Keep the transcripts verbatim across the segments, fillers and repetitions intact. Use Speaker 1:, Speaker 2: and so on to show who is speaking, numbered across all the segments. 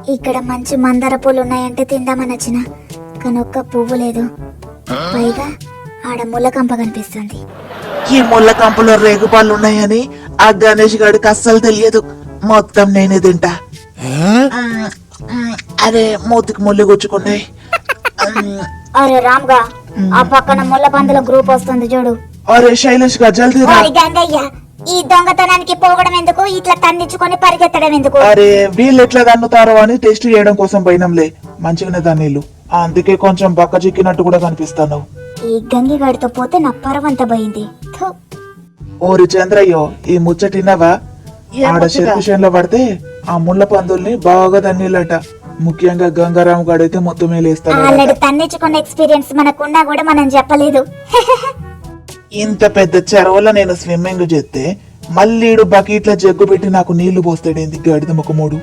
Speaker 1: ఇక్కడ మంచి మందార పూలు ఉన్నాయంటే తిందామని వచ్చిన కానీ ఒక్క పువ్వు లేదు. పైగా ఆడ ముళ్ళకంప కనిపిస్తుంది.
Speaker 2: ఈ ముళ్ళ కంపలో రేగుపాలు ఉన్నాయని ఆ గణేష్ గాడికి అస్సలు తెలియదు. మొత్తం నేనే తింటా. మ్మ్, మ్మ్, అరే మూతికి ముళ్ళు గుచ్చుకున్నాయి. మ్మ్,
Speaker 1: అరే రామ్గా, ఆ పక్కన ముళ్ళ పందుల గ్రూప్ వస్తుంది చూడు.
Speaker 2: అరే శైలేష్ గా జల్దీ రా.
Speaker 1: ఓరి గంగయ్య, ఈ దొంగతనానికి పోవడం ఎందుకు, ఇట్లా తన్నించుకొని పరిగెత్తడం ఎందుకు?
Speaker 2: అరే వీళ్ళు ఎట్లా దన్నుతారో అని టెస్ట్ చేయడం కోసం పోయినంలే. మంచిగానే దానిలు, అందుకే కొంచెం బక్క చిక్కినట్టు కూడా కనిపిస్తాను.
Speaker 1: ఈ గంగిగాడితో పోతే నా పరవంత పోయింది. థు.
Speaker 2: ఓరి చంద్రయ్యో, ఈ ముచ్చటినవా? ఆడ చెరుకు పడితే ఆ ముళ్ళ పందుల్ని బాగా దన్నీళ్ళట. ముఖ్యంగా గంగారాం గాడైతే మొత్తమే లేస్తాడు.
Speaker 1: ఆల్రెడీ తన్నించుకున్న ఎక్స్పీరియన్స్ మనకున్నా కూడా మనం చెప్పలేదు.
Speaker 2: ఇంత పెద్ద చెరువులో నేను స్విమ్మింగ్ చేస్తే మళ్ళీ ఈడు బకెట్ల జగ్గు పెట్టి నాకు నీళ్లు పోస్తాడేంది గడిద ముఖమోడు.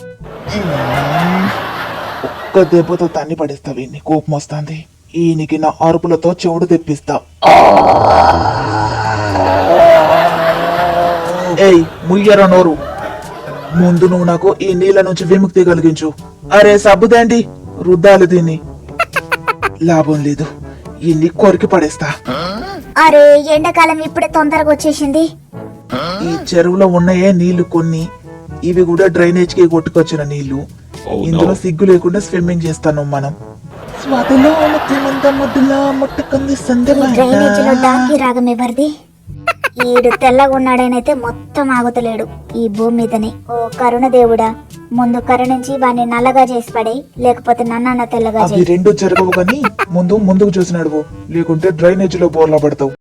Speaker 2: ఒక్క దెబ్బతో తన్ని పడేస్తా. వీడిని కోపం వస్తుంది. ఈయనకి నా అరుపులతో చెవుడు తెప్పిస్తా. ఏయ్ ముయ్యర నోరు, ముందు నువ్వు నాకు ఈ నీళ్ళ నుంచి విముక్తి కలిగించు. అరే సబ్బుదేంటి రుద్దాలు దీన్ని. లాభం లేదు, ఇన్ని కొరికి పడేస్తా.
Speaker 1: అరే ఎండాకాలం ఇప్పుడే తొందరగా వచ్చేసింది.
Speaker 2: ఈ చెరువులో ఉన్నాయే నీళ్లు కొన్ని, ఇవి కూడా డ్రైనేజ్ కి కొట్టుకొచ్చిన నీళ్లు. ఇందులో సిగ్గు లేకుండా స్విమ్మింగ్ చేస్తాను మనం. స్వాతిలో ముత్యమంత ముద్దులా ముట్టుకుంది సంధ్య
Speaker 1: ఈ డ్రైనేజ్ లో డాంకీ రాగం ఎవరిది? ఈడు తెల్లగా ఉన్నాడనైతే మొత్తం ఆగుతలేడు ఈ భూమి మీదనే. ఓ కరుణ దేవుడా, ముందు కరుణించి వాడిని నల్లగా చేసి పడే, లేకపోతే నన్న తెల్లగా
Speaker 2: అవి
Speaker 1: చేయి.
Speaker 2: రెండు జరగవు కానీ ముందు ముందుకు చూసి నడువు, లేకుంటే డ్రైనేజ్ లో బోర్లా పడతావు.